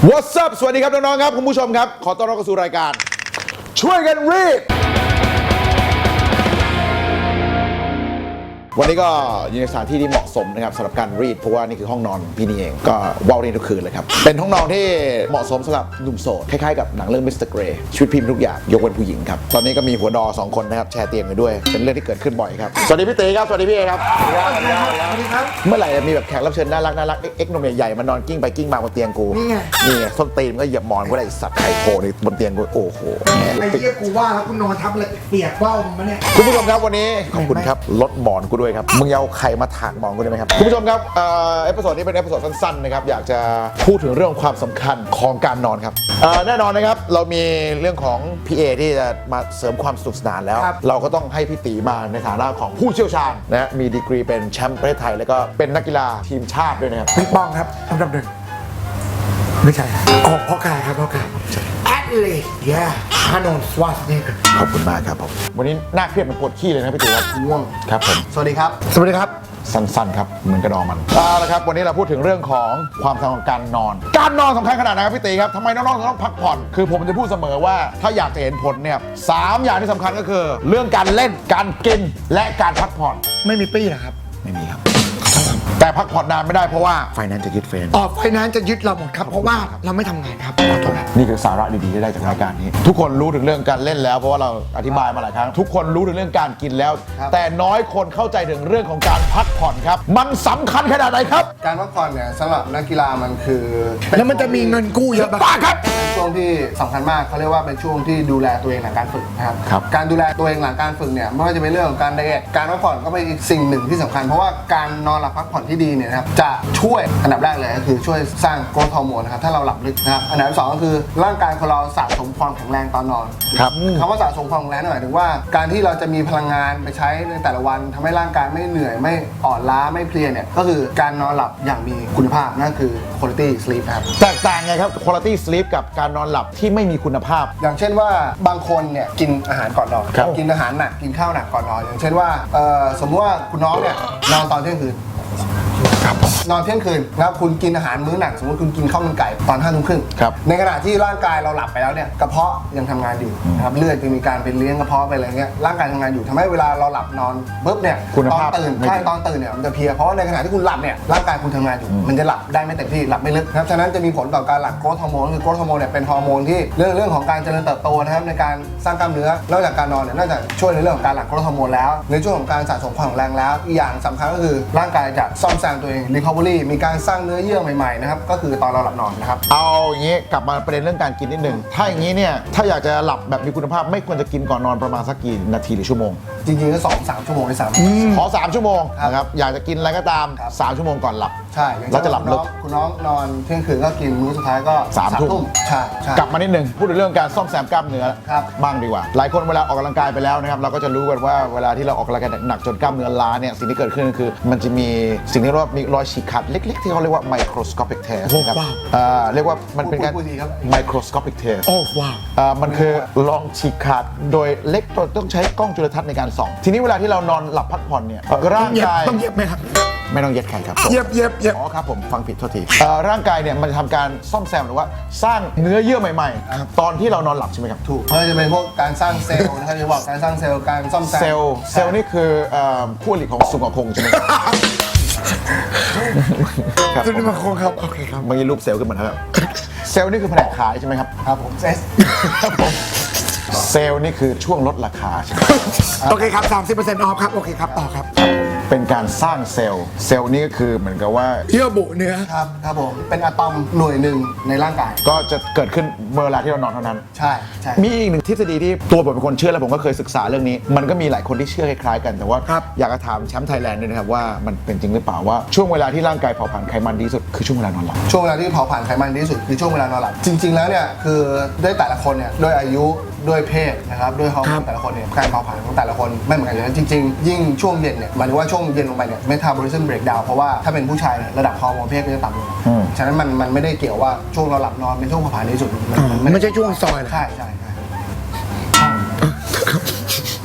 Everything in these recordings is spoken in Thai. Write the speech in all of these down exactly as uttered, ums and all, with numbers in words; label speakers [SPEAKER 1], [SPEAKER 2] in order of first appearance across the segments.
[SPEAKER 1] What's up สวัสดีครับน้องๆครับคุณผู้ชมครับขอต้อนรับเข้าสู่รายการช่วยกันรีดวันนี้ก็อยู่ในสถานที่ที่เหมาะสมนะครับสำหรับการรีดเพราะว่านี่คือห้องนอนพี่นี่เองก็ว้าวนี่ทุกคืนเลยครับเป็นห้องนอนที่เหมาะสมสำหรับหนุ่มโสดคล้ายๆกับหนังเรื่องมิสเตอร์เกรย์ชีวิตพิมพ์ทุกอย่างยกเว้นผู้หญิงครับตอนนี้ก็มีหัวดอสองคนนะครับแชร์เตียงกันด้วยเป็นเรื่องที่เกิดขึ้นบ่อยครับสวัสดีพี่ตีครับสวัสดีพี่เอครับสวัสดีครับสวัสดีครับเมื่อไหร่จะมีแบบแขกรับเชิญน่ารักน่ารักเอ็กซ์นมใหญ่ๆมานอนกิ้งไปกิ้งมาบนเตียงกูนี่ไงนี่ไงส้นตีนก็เหยียบหมอนก็ได้สัตว์ไข่โผล่ในบนเตียงกูโอ้โห
[SPEAKER 2] ไอ้เหี้ยกูว่าแล้วกูนอนทับอะไรเปียกเบ้ามึงมาเนี่ย
[SPEAKER 1] คุณผู้ชมครับวันนี้ขอบคุณครับลดหมอนกูด้วยครับมึงเอาไข่มาถากหมอนกูได้ไหมครับคุณผู้ชมครับเอ่อเอพิโซดนี้เป็นเอพิโซดสั้นๆนะครับอยากจะพูดถึงเรื่องความสำคัญของการนอนครับเอ่อแน่นอนนะครับเรามีเรื่องของพี่เอที่จะมาเสริมความสนุกสนานแล้วเราก็ต้องให้พี่ตีมาในฐานะของผู้เชี่ยวชาญนะมีดีกรีเป็นแชมป์ประเทศไทยแล้วก็เป็นนักกีฬาทีมชาติด้วยนะครับ
[SPEAKER 2] ปิงปองครับอันดับหนึ่งไม่ใช่ออกพ่อกายครับพ่อกายแอดเลยแย่ฮานอนสวัสดีครับ
[SPEAKER 1] ขอบคุณมากครับผมวันนี้น่าเครียดมันปวดขี้เลยนะพี่ตีครับ
[SPEAKER 2] ง่วง
[SPEAKER 1] ครับผม
[SPEAKER 2] สวัสดีครับสวัสดีครับ
[SPEAKER 1] สั้นๆครับเหมือนกระดองมันเอาละครับวันนี้เราพูดถึงเรื่องของความสำคัญของการนอนการนอนสำคัญขนาดไหนครับพี่ตีครับทำไมน้องๆถึงต้องพักผ่อนคือผมจะพูดเสมอว่าถ้าอยากจะเห็นผลเนี่ยสามอย่างที่สำคัญก็คือเรื่องการเล่นการกินและการพักผ่อน
[SPEAKER 2] ไม่มีปี้นะครับ
[SPEAKER 1] ไม่มีครับแต่พักผ่อนนานไม่ได้เพราะว่าไฟแนนซ์จะยึดเฟรน
[SPEAKER 2] อ๋อไฟแนนซ์จะยึดเราหมดครับเพราะว่าเราไม่ทำงานครับขอโทษครับ
[SPEAKER 1] นี่คือสาระดีๆที่ได้จากรายการนี้ทุกคนรู้ถึงเรื่องการเล่นแล้วเพราะว่าเราอธิบายมาหลายครั้งทุกคนรู้ถึงเรื่องการกินแล้วแต่น้อยคนเข้าใจถึงเรื่องของการพักผ่อนครับมันสำคัญขนาดไหนครับ
[SPEAKER 3] การพักผ่อนเนี่ยสำหรับนักกีฬามันคือ
[SPEAKER 2] แล้วมันจะมีเงินกู้เยอะ
[SPEAKER 1] มากครับ
[SPEAKER 3] เป็นช่วงที่สำคัญมากเขาเรียกว่าเป็นช่วงที่ดูแลตัวเองหลังการฝึกนะครับการดูแลตัวเองหลังการฝึกเนี่ยไม่ว่าจะเป็นเรื่องของการไดเอทการพักผ่อนก็เป็นอีกสิ่งหนึ่งที่สำคัญเพราะว่าการนอนหลับพักผ่อนที่ดีเนี่ยนะครับจะช่วยอันดับแรกเลยก็คือช่วยสร้างโกรทฮอร์โมนนะครับถ้าเราหลับลึกนะครับอันดับที่สองก็คือร่างกายของเราสะสมความแข็งแรงตอนนอน
[SPEAKER 1] ครับ
[SPEAKER 3] คำว่าสะสมความแข็งแรงหมายถึงว่าการที่เราจะมีพลังงานไปใช้ในแต่ละวันทำให้ร่างกายไม่เหนื่อยไม่อ่อนล้าไม่เพลียเนี่ยก็คือการนอนหลับอย่างมีคุณภาพนั่นคือ quality sleep ครับ
[SPEAKER 1] แตกต่างไงครับ quality sleep กับการนอนหลับที่ไม่มีคุณภาพ
[SPEAKER 3] อย่างเช่นว่าบางคนเนี่ยกินอาหารก่อนนอนกินอาหารหนักกินข้าวหนักก่อนนอนอย่างเช่นว่าสมมติว่าคุณน้องเนี่ยนอนตอนเที่ยงคืนนอนเที่ยงคืนนะครับคุณกินอาหารมื้อหนักสมมติคุณกินข้าวมันไก่ตอนห้าทุ่มครึ่งในขณะที่ร่างกายเราหลับไปแล้วเนี่ยกระเพาะยังทำงานอยู่นะครับเลือดจะมีการไปเลี้ยงกระเพาะไปอะไรเงี้ยร่างกายทำงานอยู่ทำให้เวลาเราหลับนอนปุ๊บเนี่ยตอนตื่นใช่ตอนตื่นเนี่ยมันจะเพลียเพราะว่าในขณะที่คุณหลับเนี่ยร่างกายคุณทำงานอยู่มันจะหลับได้ไม่เต็มที่หลับไม่ลึกนะครับฉะนั้นจะมีผลต่อการหลั่งโกรทฮอร์โมนคือโกรทฮอร์โมนเนี่ยเป็นฮอร์โมนที่เรื่องเรื่องของการเจริญเติบโตนะครับในการสร้างกล้ามเนื้อนอกจากการนอนเนี่ยนอกจากช่วยในเรื่องของการหลั่งโกรทฮอร์โมนแล้วในช่วงของการสะสมความแข็งแรงแล้วอีกอย่างสำคัญก็คือร่างกายจะซ่อมแซมตัวเอง recovery มีการสร้างเนื้อเยื่อใหม่ๆนะครับก็คือตอนเราหลับนอนนะครับ
[SPEAKER 1] เอาอย่างนี้กลับมาประเด็นเรื่องการกินนิดหนึ่งถ้าอย่างนี้เนี่ยถ้าอยากจะหลับแบบมีคุณภาพไม่ควรจะกินก่อนนอนประมาณสักกี่นาทีหรือชั่วโมง
[SPEAKER 3] จริงๆก็สองสามชั่วโมงในสาม
[SPEAKER 1] ขอสามชั่วโมงนะครับอยากจะกินอะไรก็ตามสามชั่วโมงก่อนหลับ
[SPEAKER 3] ใช่
[SPEAKER 1] แล้วจะหลับลึก
[SPEAKER 3] คุณน้องนอนเที่ยงคืนก็กินมื้อสุดท้ายก็
[SPEAKER 1] สามทุ่ม
[SPEAKER 3] ใช่
[SPEAKER 1] กลับมานิดหนึ่งพูดถึงเรื่องการซ่อมแซมกล้ามเนื้อบ้างดีกว่าหลายคนเวลาออกกำลังกายไปแล้วนะครับเราก็จะรู้กันว่าเวลาที่เราออกกำลังกายหนักจนกล้ามเนื้อล้าเนี่ยสิ่งที่เกิดขึ้นก็คือมันจะมีสิ่งที่เรียกว่ามีรอยฉีกขาดเล็กๆที่เขาเรียกว่า microscopic tear นะครับเรียกว่ามันเป็นการ microscopic tear
[SPEAKER 2] โอ้ว้าว
[SPEAKER 1] มันคือลองฉีกขาดโดยเล็กต้องใช้กล้องจุลทรรศน์ในการส่องทีนี้เวลาที่เรานอนหลับพักผ่อนเนี่ยร่างกาย
[SPEAKER 2] ต้องเย็บไหมครับ
[SPEAKER 1] ไม่ต้องเย็ดใครครับ
[SPEAKER 2] เย็บเย็บเย็บ
[SPEAKER 1] อ๋อครับผมฟังผิดโทษทีร่างกายเนี่ยมันจะทำการซ่อมแซมหรือว่าสร้างเนื้อเยื่อใหม่ๆตอนที่เรานอนหลับใช่ไหมครับ
[SPEAKER 3] ถูกมันจะเป็นพวกการสร้างเซลล์นะครับที่บอกการสร้างเซลล์การซ่อมแซม
[SPEAKER 1] เซลล์เซลล์นี่คือคู่อริของสุงกคงใช่ไหม
[SPEAKER 2] ครับสุงกคงครับโอเคครับ
[SPEAKER 1] เมื่อกี้รูปเซลล์ขึ้นมาแล้วเซลล์นี่คือแผนกขายใช่ไหมครับ
[SPEAKER 3] ครับผมเซส
[SPEAKER 1] ครับผมเซลล์นี่คือช่วงลดราคาใช่ไหม
[SPEAKER 2] โอเคครับ สามสิบเปอร์เซ็นต์ ออฟครับโอเคครับต่อครับ
[SPEAKER 1] เป็นการสร้างเซลล์เซลล์นี่ก็คือเหมือนกับว่า
[SPEAKER 2] เยื่อบุเนื้อ
[SPEAKER 3] ครับครับผมเป็นอะตอมหน่วยหนึ่งในร่างกาย
[SPEAKER 1] ก็จะเกิดขึ้นเมื่อเวลาที่เรานอนเท่านั้น
[SPEAKER 3] ใช่ใช่
[SPEAKER 1] มีอีกหนึ่งทฤษฎีที่ตัวผมเป็นคนเชื่อและผมก็เคยศึกษาเรื่องนี้มันก็มีหลายคนที่เชื่อคล้ายๆกันแต่ว่าอยากจะถามแชมป์ไทยแลนด์ด้วยนะครับว่ามันเป็นจริงหรือเปล่าว่าช่วงเวลาที่ร่างกายเผาผลาญไขมันดีสุดคือช่วงเวลานอนหลับ
[SPEAKER 3] ช่วงเวลาที่เผาผลาญไขมันดีสุดคือช่วงเวลานอนหลับจริงๆแล้วเนี่ยคือด้วยแต่ละคนเนี่ยด้วยอายุด้วยเพศนะครับด้วยฮอร์โมนแต่ละคนเนี่ยการเผาผลาญของแต่ละคนไม่เหมือนกันเลยจริงๆยิ่งช่วงเย็นเนี่ยหมายถึงว่าช่วงเย็นลงไปเนี่ยเมตาบอลิซึมเบรกดาวน์เพราะว่าถ้าเป็นผู้ชายระดับฮอร์โมนเพศก็จะต่ำลงฉะนั้นมันมันไม่ได้เกี่ยวว่าช่วงเราหลับนอนเป็นช่วงเผาผลาญดีสุด
[SPEAKER 2] มันไม่ใช่ช่วงซอย
[SPEAKER 3] ใช่ใช่ใช่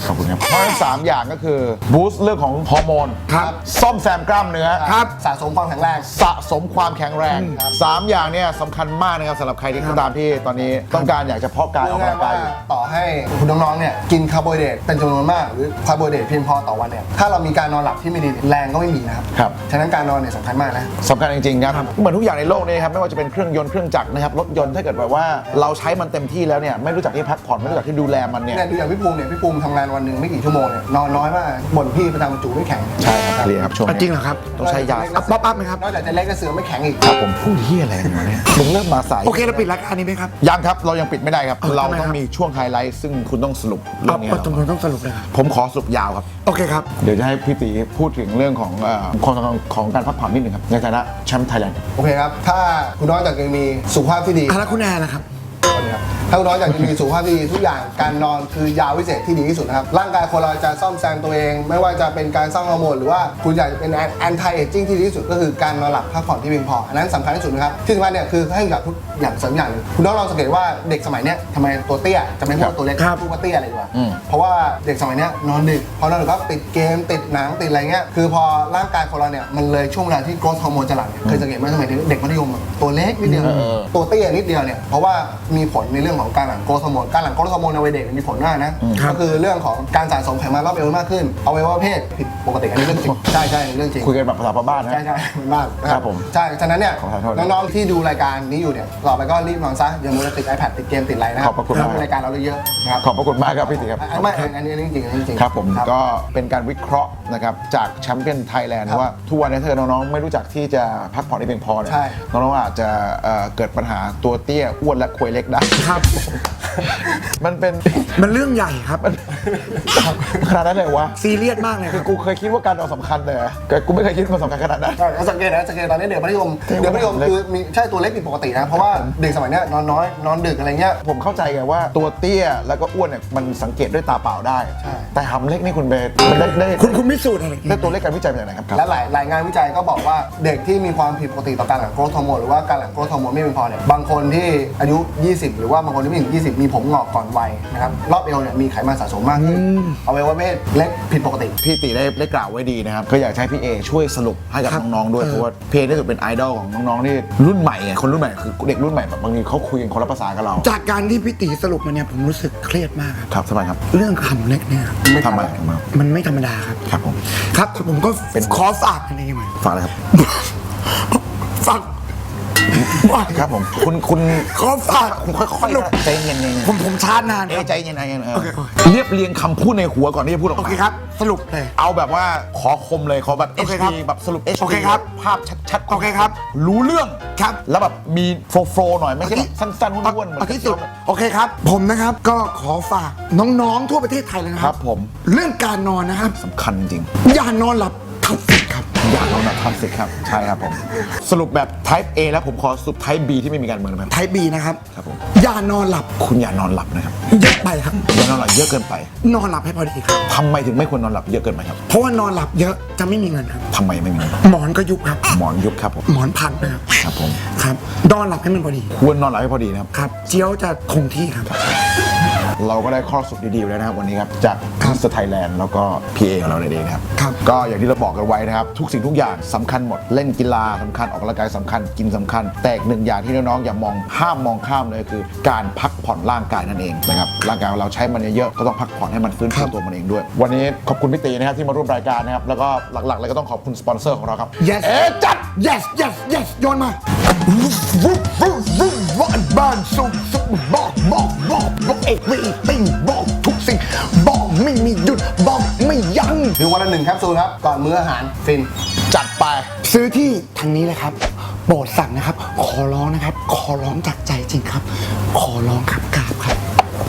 [SPEAKER 1] ขอบคุณครับเพราะฉะนั้นสามอย่างก็คือบูสต์เรื่องของฮอร์โมน
[SPEAKER 2] ครับ
[SPEAKER 1] ซ่อมแซมกล้ามเนื้อ
[SPEAKER 2] ครับ
[SPEAKER 3] สะสมความแข็งแรง
[SPEAKER 1] สะสมความแข็งแรงสามอย่างเนี่ยสำคัญมากนะครับสำหรับใครที่ตามที่ตอนนี้ต้องการอยากจะเพาะกายออก
[SPEAKER 3] พูด
[SPEAKER 1] กำ
[SPEAKER 3] ง่า
[SPEAKER 1] ลั
[SPEAKER 3] ย
[SPEAKER 1] ง
[SPEAKER 3] ๆ
[SPEAKER 1] กา
[SPEAKER 3] ว่าย
[SPEAKER 1] อยู่
[SPEAKER 3] ต่อให้คุณน้องๆเนี่ยกินคาร์โบไฮเดรตเป็นจำนวนมากหรือคาร์โบไฮเดรตเพียงพอต่อวันเนี่ยถ้าเรามีการนอนหลับที่ไม่ดีแรงก็ไม่มีนะครับ
[SPEAKER 1] ครับ
[SPEAKER 3] ฉะนั้นการนอนเนี่ยสำคัญมากนะ
[SPEAKER 1] สำคัญจริงๆครับเหมือนทุกอย่างในโลกนี้ครับไม่ว่าจะเป็นเครื่องยนต์เครื่องจักรนะครับรถยนต์ถ้าเกิดแบบว่าเราใช้มันเต็มที่แล้วเนี่ยไม่รู้จักที่พักผ่อนไม่รู้จักที่ดูแลมันเนี่ย
[SPEAKER 3] เนี่ยดูอย่างพี่ภูมิเนี่ยพี่ภูมิทำงานวันหนึ่งไม่กี่ชั่วโมงเนี่ยนอนน้อยมากบ่นพี่ประจำจูไม่แข็ง
[SPEAKER 1] ใช่ครับเคลียร์ครับช่วง
[SPEAKER 2] อ่ะ
[SPEAKER 1] นี้
[SPEAKER 2] จริงเหรอครับ
[SPEAKER 1] ต้องใช้ยา
[SPEAKER 2] อ่ะป๊อปอัพไหมครับ
[SPEAKER 3] นอกจากจะเล็กจะเสือไม่แข็งอีก
[SPEAKER 1] ครับผมพูดเฮียอะไรกันวะเนี่ยมึงเริ่มมาสาย
[SPEAKER 2] โอเคเราปิดรายการนี้ไหมครับ
[SPEAKER 1] ยังครับเรายังปิดไม่ได้ครับ
[SPEAKER 2] เออ
[SPEAKER 1] เรา
[SPEAKER 2] ทำไม
[SPEAKER 1] ต้อง
[SPEAKER 2] ครับ
[SPEAKER 1] มีช่วงไฮไลท์ซึ่งคุณต้องสรุปเรื่
[SPEAKER 2] เอา
[SPEAKER 1] องนี้
[SPEAKER 2] เอา
[SPEAKER 1] ให้
[SPEAKER 2] ตรง
[SPEAKER 1] เรา
[SPEAKER 2] นี้ต้องสรุปเลยครับ
[SPEAKER 1] ผมขอสรุปยาวครับ
[SPEAKER 2] โอเคครับ
[SPEAKER 1] เดี๋ยวจะให้พี่ตีพูดถึงเรื่องของเอ่อความสำคัญของการพักผ่อนนิดนึงครับในฐานะแชมป์ไทยแลนด์
[SPEAKER 3] โอเคครับ ถ้าคุณน้องอยากจะมีสุขภาพที่ดี
[SPEAKER 2] อ่ะแล้วคุณแอนนะครับ
[SPEAKER 3] สวัสดีครับถ้าคุณน้องอยากจะมีสุขภาพที่ดีทุกอย่างการนอนคือยาวิเศษที่ดีที่สุดนะครับร่างกายคนเราจะซ่อมแซมตัวเอง ไม่ว่าจะเป็นการสร้างฮอร์โมนหรือว่าคุณอยากจะเป็นแอนตี้เอจจิ้งที่ดีที่สุดก็คือการนอนหลับพักผ่อนที่เพียงพออันนั้นสำคัญที่สุดนะครับที่สำคัญเนี่ยคือให้กับทุกอย่างเสริมอย่างหนึงคุณน้องลองสังเกตว่าเด็กสมัยเนี้ยทำไมตัวเตี้ยจะไม่พูดว่าตัวเล็ก
[SPEAKER 2] ครับ
[SPEAKER 3] พูดว่าเตี้ยอะไรดีกว่าเพราะว่าเด็กสมัยเนี้ยนอนดึกพอนอนดึกก็ติดเกมติดหนังติดอะไรเงี้ยคือพอร่างกายคนเราเนี่ยมันเลยช่วงเวลาที่โกรทฮอร์โมนจะหลั่งเนี่ยเคยสังเกตไหมสมัยเด็กมัธยมอะตัวเล็กนิดเดียวตัวเตี้ยนิดเดียวเนี่ยเพราะว่ามีผลในเรื่องของการหลั่งโกรทฮอร์โมนการหลั่งโกรทฮอร์โมนในวัยเด็กมีผลมากนะก็คือเรื่องของการสะสมไขมันรอบเอวมากขึ้นอวัยวะเพศผิดปกติอันนี้เรื่องจริงใช่ใช่เรื่องจริง
[SPEAKER 1] คุยกันแบบภาษาบ้านๆนะ
[SPEAKER 3] ใช่ใช่เหมือนบ้านนะครับ
[SPEAKER 1] ผม
[SPEAKER 3] ใช่ฉะนั้นเนี่ย
[SPEAKER 1] ขอขอโทษ
[SPEAKER 3] น้องๆที่ดูรายการนี้อยู่เนี่ยต่อไปก็รีบนอนซะอย่ามัวแต่ติด iPad ติดเกมติดอะไรนะครั
[SPEAKER 1] ขอบพระคุณมาก
[SPEAKER 3] ดูรายการเราเยอะๆนะครับ
[SPEAKER 1] ขอบพระคุณมากครับพี่ตีครับ
[SPEAKER 3] อันไม่อันนี้อันนี้จริงๆอันนี้จริงๆ
[SPEAKER 1] ครับผมก็เป็นการวิเคราะห์นะครับจากแชมเปี้ยนไทยแลนด์ว่าทุกวันนี้ถ้าเกิดน้องๆไม่รู้จักที่จะพักผ่อนให้เพียงพอเนี่ย
[SPEAKER 3] ใช่
[SPEAKER 1] น้องๆอาจจะเอ่อเกิดปัญหาตัวเตี้ยอ้วนและควยเล็กได้
[SPEAKER 2] ครับ
[SPEAKER 1] มันเป็น
[SPEAKER 2] มันเรื่องใหญ่ครับ
[SPEAKER 1] ขนาดนั้นเลยวะ
[SPEAKER 2] ซีเรียสมากเลยค
[SPEAKER 1] คือ
[SPEAKER 2] รับ
[SPEAKER 1] กูเคยคิดว่าการนอนสำคัญเลยแต่กูไม่เคยคิดว่ามันสำคัญขนาดนั้น
[SPEAKER 3] ใช่แล้วสังเกตนะสังเกตตอนนี้เด็กมัธยมเด็กมัธยมคือมีใช่ตัวเล็กผิดปกตินะ เพราะว่าเด็กสมัยเนี้ยนอนน้อยนอนดึกอะไรเงี้ย
[SPEAKER 1] ผมเข้าใจไงว่าตัวเตี้ยแล้วก็อ้วนเนี่ยมันสังเกตด้วยตาเปล่าได้
[SPEAKER 3] ใช่
[SPEAKER 1] แต่หำเล็กนี่คุณเบสมันได้ได้
[SPEAKER 2] คุณคุณพิสูจน์อะไร
[SPEAKER 1] ได้ตัวเลขการวิจัยมาจากไหนครับ
[SPEAKER 3] และหลายหลายงานวิจัยก็บอกว่าเด็กที่มีความผิดปกติต่อการหลั่งโกรทฮอร์โมนหรือว่าการหลั่งโกรทฮอร์โมนไม่เพียงพอเนี่ยบางคนที่อายุ ยี่สิบ หรือว่าบางคนที่ไม่ถึง ยี่สิบ มีผมงอกก่อนวัยนะครับรอบเอวเนี่ยมีไขมันสะสมมากขึ้นเอาไว้ว่าเพศเล็กผิดปกติ
[SPEAKER 1] พี่ตีได้ได้กล่าวไว้ดีนะครับก็อยากให้พี่เอช่วยสรุปให้กับน้องๆด้วยเพราะว่าพี่เอได้สุดเป็นไอดอลของน้องๆที่รุ่นใหม่ไงคนรุ่นใหม่คือเด็กรุ่นใหม่แบบบางทีเขาคุยกันคนละภาษากับเรา
[SPEAKER 2] จากการที่พี่ตีสรุปมาเนี่ยผมรู้สึกเครียดมากครับ
[SPEAKER 1] ครับทำไมครับ
[SPEAKER 2] เรื่องคำเล็กเนี่ย
[SPEAKER 3] ไม่
[SPEAKER 1] ทำไม
[SPEAKER 3] ทำ
[SPEAKER 1] ทำไม
[SPEAKER 2] มันไม่ธรรมดาครับ
[SPEAKER 1] ครับผม
[SPEAKER 2] ครับผมก็
[SPEAKER 1] เป็น
[SPEAKER 2] ขอฝากอะไรหน่อย
[SPEAKER 1] ฝากเลยครับ
[SPEAKER 2] ฝาก
[SPEAKER 1] ครับผมคุณคุณ
[SPEAKER 2] ขอฝาก
[SPEAKER 1] คุณค่อยๆนะใจเย็นๆ
[SPEAKER 2] ผมผมชาร์จนาน
[SPEAKER 1] เอ
[SPEAKER 2] ครับ
[SPEAKER 1] ใจเย็นๆเย็นๆเออ
[SPEAKER 2] โอเคโอเค
[SPEAKER 1] เรียบเรียงคำพูดในหัวก่อนที่จะพูดออก
[SPEAKER 2] โอ
[SPEAKER 1] มา
[SPEAKER 2] เคครับ สรุปเลย
[SPEAKER 1] เอาแบบว่าขอคมเลยขอแบบ
[SPEAKER 2] โอเค
[SPEAKER 1] เอช
[SPEAKER 2] ครับ
[SPEAKER 1] ดี แบบสรุป เอชดี
[SPEAKER 2] โอเคครับ
[SPEAKER 1] ภาพชัดๆ
[SPEAKER 2] โอเคครับ
[SPEAKER 1] รู้เรื่อง
[SPEAKER 2] ครับ
[SPEAKER 1] แล้วแบบมีโฟล์โฟล์หน่อยไม่ใช่แบบสั้นๆห้วนๆเหมือน
[SPEAKER 2] เอาที่สุดโอเคครับ ผมนะครับก็ขอฝากน้องๆทั่วประเทศไทยเลยนะ
[SPEAKER 1] ค
[SPEAKER 2] ค
[SPEAKER 1] รั
[SPEAKER 2] รั
[SPEAKER 1] บบ ผม
[SPEAKER 2] เรื่องการนอนนะครับ
[SPEAKER 1] สำคัญจริง
[SPEAKER 2] อย่านอนหลับทับสิทธิ์ครับ
[SPEAKER 1] อยากเอาหนักทำสิครับ ใช่ครับผม สรุปแบบ type A แล้วผมขอสรุป type B ที่ไม่มีการเมืองนะครับ
[SPEAKER 2] ไทยบีนะครับ
[SPEAKER 1] ครับผม
[SPEAKER 2] อย่านอนหลับ
[SPEAKER 1] คุณอย่านอนหลับนะครับ
[SPEAKER 2] เยอะไปครับ
[SPEAKER 1] อย่านอนหลับเยอะเกินไป
[SPEAKER 2] นอนหลับให้พอดีครับ
[SPEAKER 1] ทำไมถึงไม่ควรนอนหลับเยอะเกินไปครับ
[SPEAKER 2] เพราะว่านอนหลับเยอะจะไม่มีเงินครับ
[SPEAKER 1] ทำไมไม่มี
[SPEAKER 2] หมอนก็ยุบครับ
[SPEAKER 1] หมอนยุบครับผม
[SPEAKER 2] หมอนพันนะครับ
[SPEAKER 1] ครับผม
[SPEAKER 2] ครับนอนหลับให้มันพอดี
[SPEAKER 1] ควรนอนหลับให้พอดีนะครับ
[SPEAKER 2] ครับ เจียวจะคงที่ครับ
[SPEAKER 1] เราก็ได้ข้อสรุปดีๆแล้วนะครับวันนี้ครับจากมิสเตอร์ไทยแลนด์แล้วก็ พี เอ ของเราเองนะครับ
[SPEAKER 2] ครับ
[SPEAKER 1] ก็อย่างที่เราบอกกันไว้นะครับทุกสิ่งทุกอย่างสำคัญหมดเล่นกีฬาสำคัญออกกำลังกายสำคัญกินสำคัญ แต่อีกหนึ่งอย่างที่น้องๆอย่ามองห้ามมองข้ามเลยคือ การพักผ่อนร่างกายนั่นเองนะครับร่างกายของเราใช้มันเยอะๆก็ต้องพักผ่อนให้มันฟื้นฟูตัวมันเองด้วย วันนี้ขอบคุณพี่ตีนะครับที่มาร่วมรายการนะครับแล้วก็หลักๆเลยก็ต้องขอบคุณสปอนเซอร์ของเราครับ
[SPEAKER 2] yes
[SPEAKER 1] เอ๊ะจัด
[SPEAKER 2] yes yes yes โยนมา
[SPEAKER 1] วุ้บวุ้บวุ้บบ้านบ้านสุขสุขบอกบอกบอกบอกเอกไม่ติ้งบอกทุกสิ่งบอกไม่มีหยุดบอกไม่ยั้ง
[SPEAKER 3] หรือวันละหนึ่งแคปซูลครับ ก่อนมื้ออาหารฟิน
[SPEAKER 1] จัดไป
[SPEAKER 2] ซื้อที่ทางนี้เลยครับ โปรดสั่งนะครับ ขอร้องนะครับ ขอร้องจากใจจริงครับ ขอร้องครับกราบครับ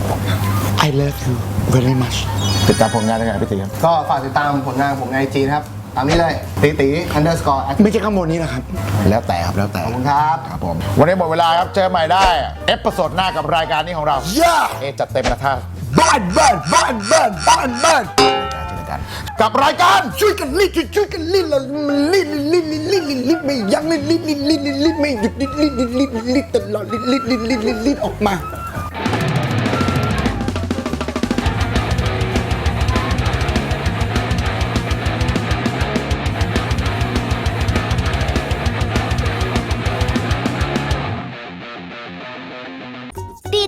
[SPEAKER 2] I love you very much
[SPEAKER 1] ติดตามผลงานได้ไงพี่ตีครับ
[SPEAKER 3] ก็ฝากติดตามผลงานผมในไอจีนะครับ ตามนี้เลยตีตี underscore
[SPEAKER 2] ไม่ใช่ข้างบนนี้นะครับ
[SPEAKER 1] แล้วแต่ครับแล้วแต่
[SPEAKER 3] ขอบคุณครับ
[SPEAKER 1] ครับผมวันนี้หมดเวลาครับเจอใหม่ได้เอพิโซดหน้ากับรายการนี้ของเรา
[SPEAKER 2] Yeah
[SPEAKER 1] เอะจัดเต็มนะท่า
[SPEAKER 2] บ้านบ้านบ้านบ้านบ้านบ้าน
[SPEAKER 1] เจอกันกับรายการ
[SPEAKER 2] ช่วยกันรีดช่วยกันรีดแล้วมันรีดรีดรีดรีดรีดรีดไม่ยั้งรีดรีดรีดรีดรีดไม่หยุดรีดรีดรีดรีดรีดตลอดรีดรีดรีดรีดรีดออกมา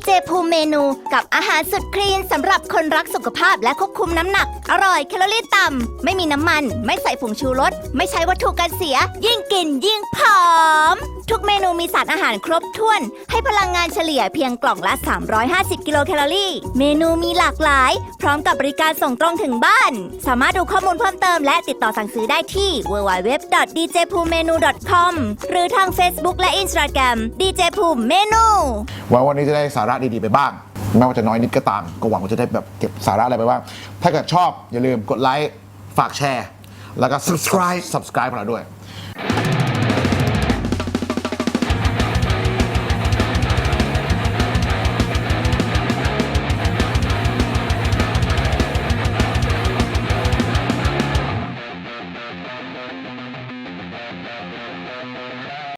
[SPEAKER 4] เจภูมิเมนูกับอาหารสุดคลีนสำหรับคนรักสุขภาพและควบคุมน้ำหนัก อร่อยแคลอรี่ต่ำไม่มีน้ำมันไม่ใส่ผงชูรสไม่ใช้วัตถุกันเสีย ยิ่งกินยิ่งผอม ทุกเมนูมีสารอาหารครบถ้วน ให้พลังงานเฉลี่ยเพียงกล่องละ สามร้อยห้าสิบ กิโลแคลอรี่ เมนูมีหลากหลาย พร้อมกับบริการส่งตรงถึงบ้าน สามารถดูข้อมูลเพิ่มเติมและติดต่อสั่งซื้อได้ที่ ดับเบิลยู ดับเบิลยู ดับเบิลยู ดอท ดี เจ ภูมิ เมนู ดอท คอม หรือทาง Facebook และ Instagram ดี เจ ภูมิ เมนู
[SPEAKER 1] หวังวันนี้จะได้สาระดีๆไปบ้างไม่ว่าจะน้อยนิดก็ตามก็หวังว่าจะได้แบบเก็บสาระอะไรไปบ้างถ้าเกิดชอบอย่าลืมกดไลค์ฝากแชร์แล้วก็ subscribe subscribe ของเราด้วย